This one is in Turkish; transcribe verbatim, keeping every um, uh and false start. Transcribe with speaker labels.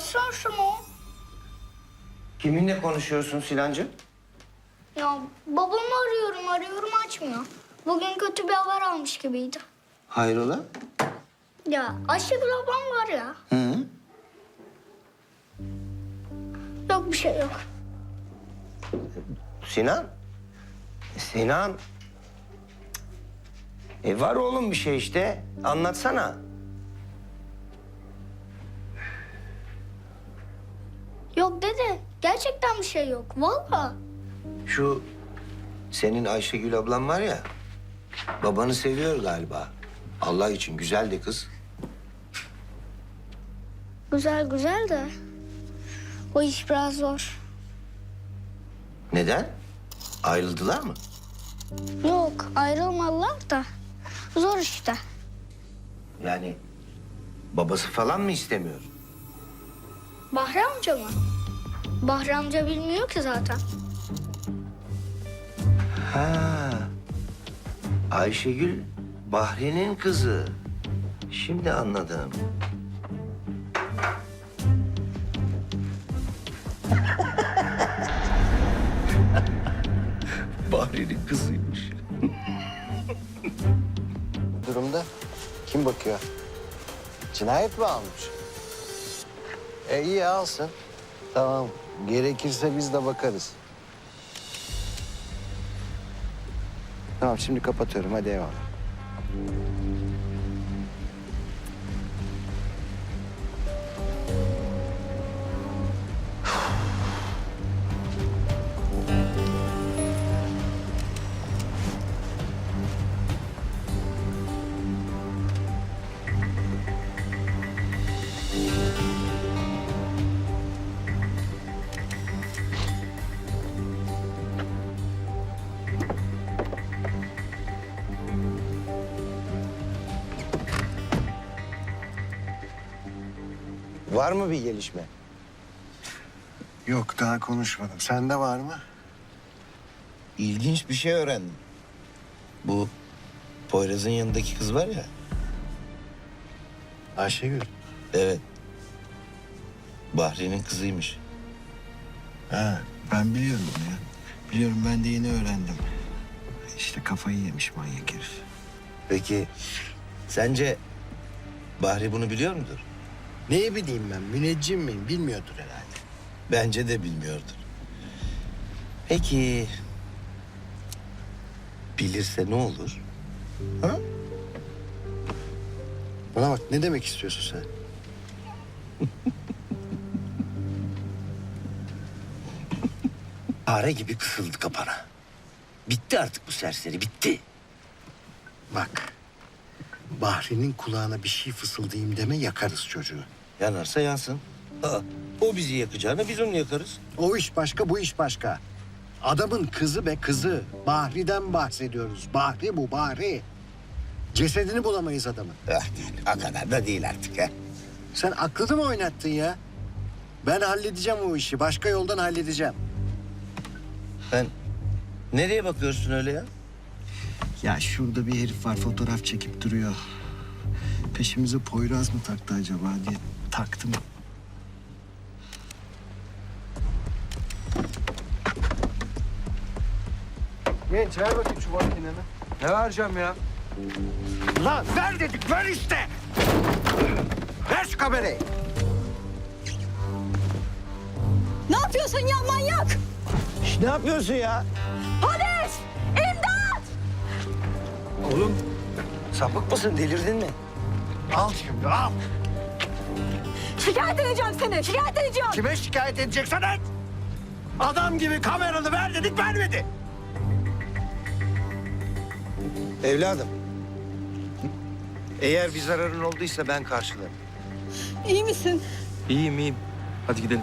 Speaker 1: Açsana şunu.
Speaker 2: Kiminle konuşuyorsun Sinancığım?
Speaker 1: Ya babamı arıyorum arıyorum açmıyor. Bugün kötü bir haber almış gibiydi.
Speaker 2: Hayrola?
Speaker 1: Ya Ayşegül ablam var ya.
Speaker 2: Hı?
Speaker 1: Yok bir şey yok.
Speaker 2: Sinan? Sinan? E var oğlum bir şey işte. Anlatsana.
Speaker 1: Yok dede. Gerçekten bir şey yok. Vallahi.
Speaker 2: Şu senin Ayşegül ablan var ya. Babanı seviyor galiba. Allah için güzel de kız.
Speaker 1: Güzel güzel de. O iş biraz zor.
Speaker 2: Neden? Ayrıldılar mı?
Speaker 1: Yok ayrılmadılar da. Zor işte.
Speaker 2: Yani babası falan mı istemiyor?
Speaker 1: Bahri amca mı? Bahri amca bilmiyor ki zaten.
Speaker 2: Ha. Ayşegül Bahri'nin kızı. Şimdi anladım. Bahri'nin kızıymış.
Speaker 3: Durumda kim bakıyor? Cinayet mi almış? E iyi alsın. Tamam. Gerekirse biz de bakarız. Tamam şimdi kapatıyorum. Hadi eyvallah.
Speaker 2: Var mı bir gelişme?
Speaker 3: Yok daha konuşmadım. Sende var mı?
Speaker 2: İlginç bir şey öğrendim. Bu Poyraz'ın yanındaki kız var ya.
Speaker 3: Ayşegül.
Speaker 2: Evet. Bahri'nin kızıymış.
Speaker 3: Ha, ben biliyorum ya. Biliyorum ben de yeni öğrendim. İşte kafayı yemiş manyak herif.
Speaker 2: Peki sence Bahri bunu biliyor mudur?
Speaker 3: Neyi bileyim ben? Müneccim miyim? Bilmiyordur herhalde.
Speaker 2: Bence de bilmiyordur. Peki bilirse ne olur? Ha?
Speaker 3: Bana bak ne demek istiyorsun sen?
Speaker 2: Fare gibi kısıldı kapana. Bitti artık bu serseri, bitti.
Speaker 3: Bak. Bahri'nin kulağına bir şey fısıldayayım deme yakarız çocuğu.
Speaker 2: Yanarsa yansın. Aa, o bizi yakacağına biz onu yakarız.
Speaker 3: O iş başka, bu iş başka. Adamın kızı be kızı. Bahri'den bahsediyoruz. Bahri bu, Bahri. Cesedini bulamayız adamın.
Speaker 2: Ah, o kadar da değil artık. Ha?
Speaker 3: Sen aklını mı oynattın ya? Ben halledeceğim o işi. Başka yoldan halledeceğim.
Speaker 2: Sen nereye bakıyorsun öyle ya?
Speaker 3: Ya şurada bir herif var fotoğraf çekip duruyor. Peşimize Poyraz mı taktı acaba diye taktım.
Speaker 4: Genç ver bakayım şu makineni. Ne vereceğim ya?
Speaker 3: Lan ver dedik ver işte. Ver şu kamerayı.
Speaker 5: Ne yapıyorsun ya manyak?
Speaker 2: Şş, ne yapıyorsun ya?
Speaker 5: Polis! İmdat!
Speaker 2: Oğlum sapık mısın, delirdin mi?
Speaker 3: Al şimdi al.
Speaker 5: Şikayet edeceğim seni, şikayet edeceğim.
Speaker 3: Kime şikayet edeceksen et. Adam gibi kameranı ver dedik vermedi.
Speaker 2: Evladım. Eğer bir zararın olduysa ben karşılarım.
Speaker 5: İyi misin?
Speaker 4: İyiyim iyiyim. Hadi gidelim.